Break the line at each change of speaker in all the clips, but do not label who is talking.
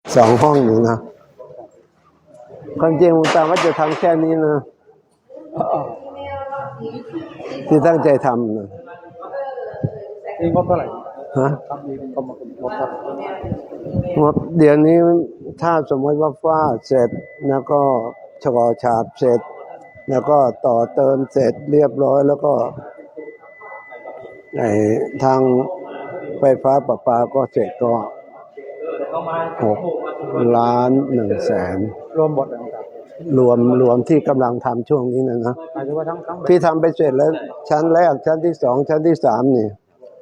2 ห้องอยู่นะความจริงผมตั้งว่าจะทำแค่นี้นะที่ตั้งใจทำนะ
นี่งบเท่าไหร่
ฮะ
ครับมีงบเท่าไหร่
งบเดี๋ยวนี้ถ้าสมมติว่าฝ้าเสร็จแล้วก็ฉกอฉาบเสร็จแล้วก็ต่อเติมเสร็จเรียบร้อยแล้วก็ทางไฟฟ้าประปาก็เสร็จก็6,100,000
รวมหมดเลยครับ
รวมที่กำลังทำช่วงนี้นะ
หมายถึงว่าทั้ง
พี่ทำไปเสร็จแล้วชั้นแรกชั้นที่ 2ชั้นที่ 3นี่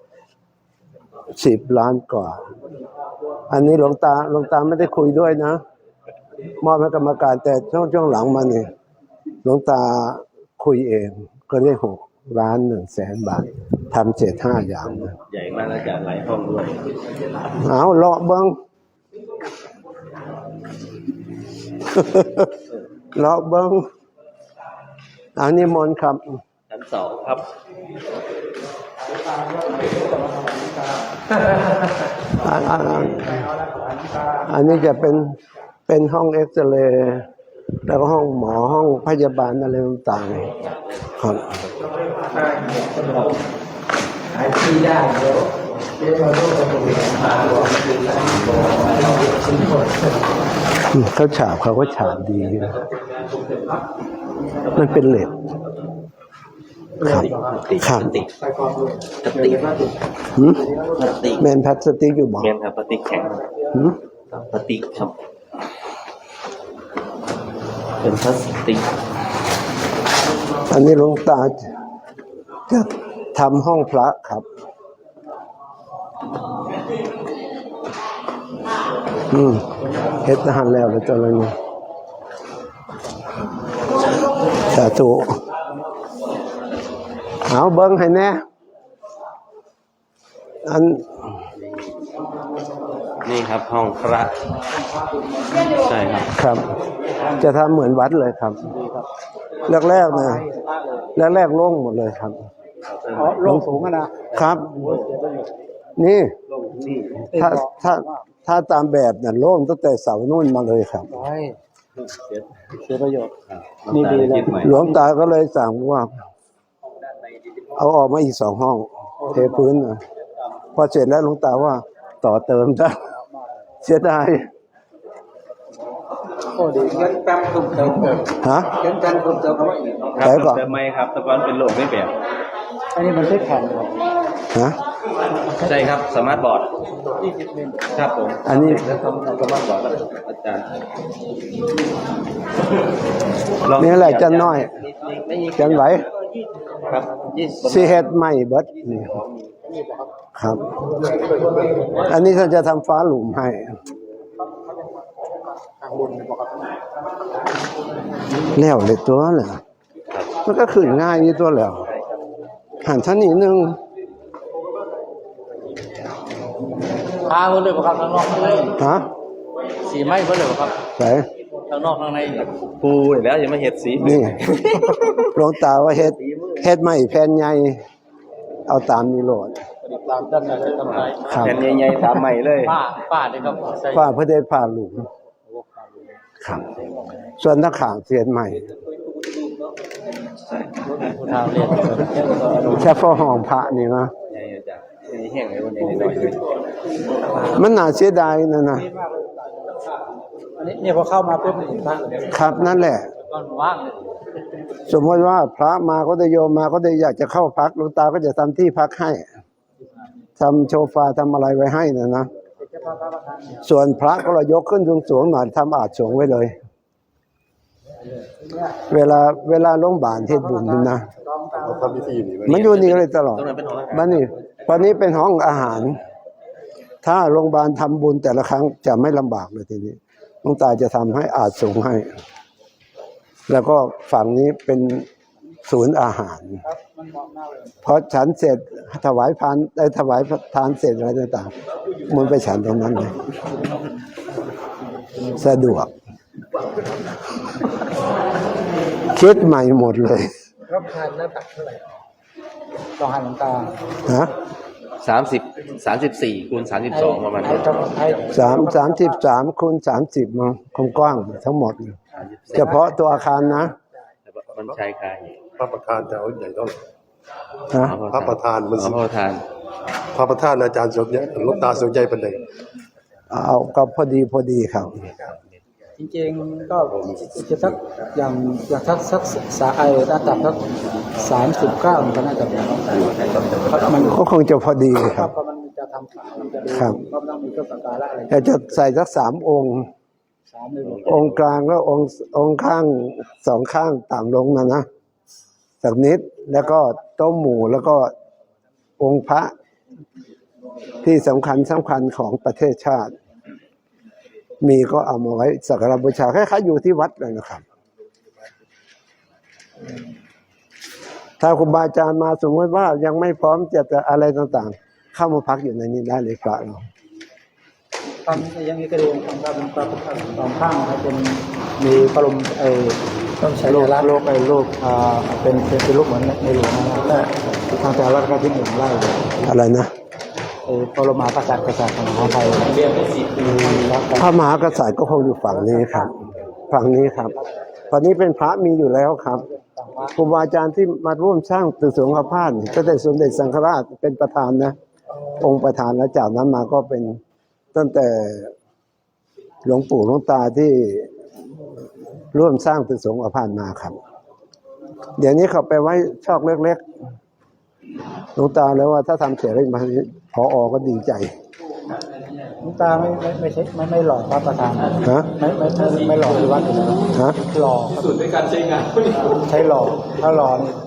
10 ล้านกว่าอันนี้หลวงตาไม่ได้คุยด้วยนะมอบให้กรรมการแต่ช่วงหลังมานี่หลวงตาคุยเองก็ได้6,100,000 บาททำเสร็จ5 อย่างนะ
ใหญ่มากแล้วจะหลายห้องด้วย
เอาเลาะเบิ้ง เลาะเบิ้งอันนี้มนต์ครับ
ชั้น 2ครับ
อันนี้จะเป็นห้องเอ็กซเรย์แล้วก็ห้องหมอห้องพยาบาลอะไรต่างๆครับเขาฉาบเขาก็ฉาบดีนะมันเป็นเหล็กครับครับแมนพลาสติกอยู่บ่
แมนครับพลาสติกแข็งพลาสติกครับเป็นพลาสติก
อันนี้หลวงตาจะทำห้องพระครับเฮ็ดทหารแล้วเลยตัวนี้สาธุเอาเบิ้งให้แน่อัน
นี่ครับห้องพระใช่ครับ
ครับจะทำเหมือนวัดเลยครับแรกๆนะแรกๆโล่งหมดเลยครับ
โล่งสูงนะครับ
นี่ถ้าตามแบบเนี่ยโล่งตั้งแต่เสานู่นมาเลยครับ
เสียประโยชน์นี่ดีเลย
หลวงตาก็เลยสั่งว่าเอาออกมาอีก2 ห้องเทพื้นนะพอเสร็จแล้วหลวงตาว่าต่อเติมได้เสียดาย
โอ้ดีเงินแป๊บตุ้มเติม
ฮะ
เงินแป๊บตุ้มเติมเขาอีก
ครับเติมไหมครับตะกอนเป็นโหลดไม่แบบ
อันนี้มันใช้แผ่น
ฮะ
ใช่ครับสมาร์ทบอร์ดครับผม
อันนี้
ทำสมาร์ทบอร์ดครับอาจารย์
นี่แหละจันน้อยจันไหว
ครับ
สีเฮ็ดใหม่เบิดนี่ครับอันนี้ท่านจะทำฟ้าหลุมให้แล้วเลยตัวแหละมันก็ขึ้นง่ายนี่ตัวแล้วหันชั้นนิดนึง
พาเพื่อนเลยครับข้างนอกข้างใน
ฮะ
สีไม้เพื่อนเลยครับ
ใช่
ข้างนอกข้างใน
ปูแล้วยังไม่เห็ดสี
นี่หลวงตาว่าเฮ็ดใหม่แผ่นใหญ่เอาตามนี้โหลด
ตามด้านในเลยทำไร
แผ่นใหญ่ๆตามใหม่เลย
ป้าเลยครับ
ป้าเพื่อได้ผ่าหลุมครับส่วนนักข่างเสียนใหม่แค่ฟอห้องพระนี่นะมันน่าเสียดายนะ
นี่พอเข้ามาปุ๊บ
ครับนั่นแหละ
ว่าง
สมมติว่าพระมาก็ได้โยมมาก็ได้อยากจะเข้าพักหลวงตาก็จะทำที่พักให้ทำโชฟาทำอะไรไว้ให้นะส่วนพระก็เรายกขึ้นสูงๆหน่อยทำอาจสูงไว้เลยเวลาโรงพยาบาลเทศบุญนะมันอยู่นี่เลยตลอดวันนี้เป็นห้องอาหารถ้าโรงพยาบาลทำบุญแต่ละครั้งจะไม่ลำบากเลยทีนี้หลวงตาจะทำให้อาจสูงให้แล้วก็ฝั่งนี้เป็นศูนย์อาหารพอฉันเสร็จถวายพานได้ถวายทานเสร็จอะไรต่างๆมันไปฉันตรงนั้นเลยสะดวกคิดใหม่หมดเลย
รับทานหน้าตักเท่าไหร่ต้องหันน้ำตา
ฮะ
34คูณ32ประมาณนี้
33คูณ30มั้งกว้างๆทั้งหมด เฉพาะตัวอาคารนะ
มันใช้คาย
พระประธานจะเอาใหญ่เท่าไหร่
นะ
พระประธานมัน
พระประธาน
พระประธานอาจารย์สมใหญ่หลวงตาสมใหญ่เป็นไง
เอาก็พอดีครับ
จริงๆก็จะสักอย่างสักสาระดับสัก39มันก็น่าจะเป็นมัน
ก็คงจะพอดีค
ครั
รั
บบ เพราะมันจะทำมันจะดู
ครับ
ก็ต้องมีเครื่องสักการะอะไร
แต่จะใส่สัก3 องค์
3เลย
องค์กลางแล้วองค์ข้าง2 ข้างต่ำลงนะสักนิดแล้วก็โต๊ะหมู่แล้วก็องค์พระที่สำคัญของประเทศชาติ มีก็เอามาไว้สักการะบูชาคล้ายๆอยู่ที่วัดเลยนะครับ ถ้าครูบาอาจารย์มาสมมติว่ายังไม่พร้อมจะอะไรต่างๆ เข้ามาพักอยู่ในนี้ได้เลยพระเรา
ตอนนี้ยังมีกระดูกของเราเป็นปลาสองข้างนะครับเป็นมีพระบรมต้องใช้รูปเป็นรูปเหมือนในหลวงนะครับทางแต่ละก็ที่1 ไร่
อะไรนะ
พระบรมกษัตริย์ของมหาไทย
พระมหากษัตริย์ก็คงอยู่ฝั่งนี้ครับ ฝั่งนี้ครับตอนนี้เป็นพระมีอยู่แล้วครับครูบาอาจารย์ที่มาร่วมสร้างตึกสูงอาพาธก็ได้สมเด็จสังฆราชเป็นประธานนะ องค์ประธานแล้วจากนั้นมาก็เป็นตั้งแต่หลวงปู่หลวงตาที่ร่วมสร้างตึกสูงอาพาธมาครับ เดี๋ยวนี้เขาไปไว้ชอกเล็กๆหลวงตาแล้วว่าถ้าทำเสร็จแล้วมาผอ.ก็ดีใจ
หลวงตาไม่หล่อพระประธาน
ฮะ
ไม่หล่อที่วัดเลย
ฮะ
หล่อสุดในการใช้งานใช้หล่อถ้าหล่อนี่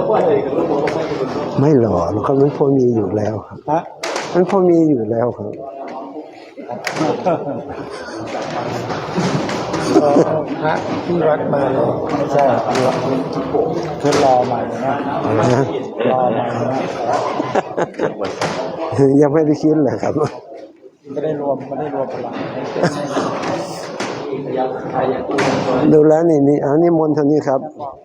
ไม่หล่อหรอกครับมันพอมีอยู่แล้วครับ
ฮะ
มันพอมีอยู่แล้วครับ
พระที่วัดมาเลยไม่ใช่คือรอใหม่นะรอใหม่นะ
ยังไม่ได้คิดเลยครับ
ไม่ได้รวมพลัง
ดูแล้วนี่อันนี้มนต์เท่านี้ครับ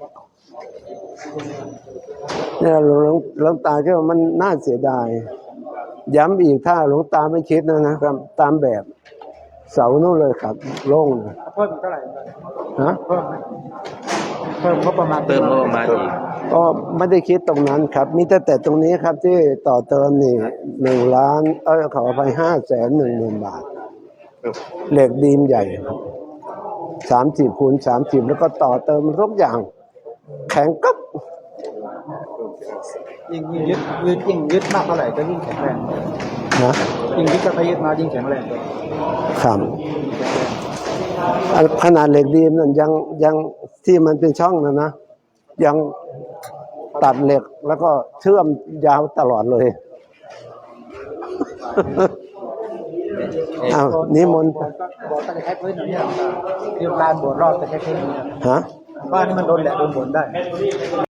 เนี่ยหลวงตาก็ว่ามันน่าเสียดายย้ำอีกถ้าหลวงตาไม่คิดนะครับตามแบบเสาโน่นเลยครับโล่งเลย
เพิ่มเท่าไหร่
ฮะ
เพิ่มก็ประมาณ
เติมงบประมาณอีก
ก็ไม่ได้คิดตรงนั้นครับ มีแต่ตรงนี้ครับที่ต่อเติมนี่1 ล้านขอไป510,000 บาทเหล็กดีมใหญ่30คูณ30แล้วก็ต่อเติมทุกอย่าง แข็งก๊บ
ยิ่งยึดมากเท่าไหร่ก็ยิ่งแข็งแรง
นะ
ยิ่งยึดก็ไปยึดมายิ่งแข็งแรง
ครับขนาดเหล็กดีมนั่นยังที่มันเป็นช่องนะยังตัดเหล็กแล้วก็เชื่อมยาวตลอดเลย อ้าวนิมนต์
โบสถ์ก็จะใช้พื้นอย่างนี้ที่ลานโบสถ์รอบจะใช้พื้นอย่างนี้
ฮะ
ว่านี่มันโดนแหละโดนฝนได้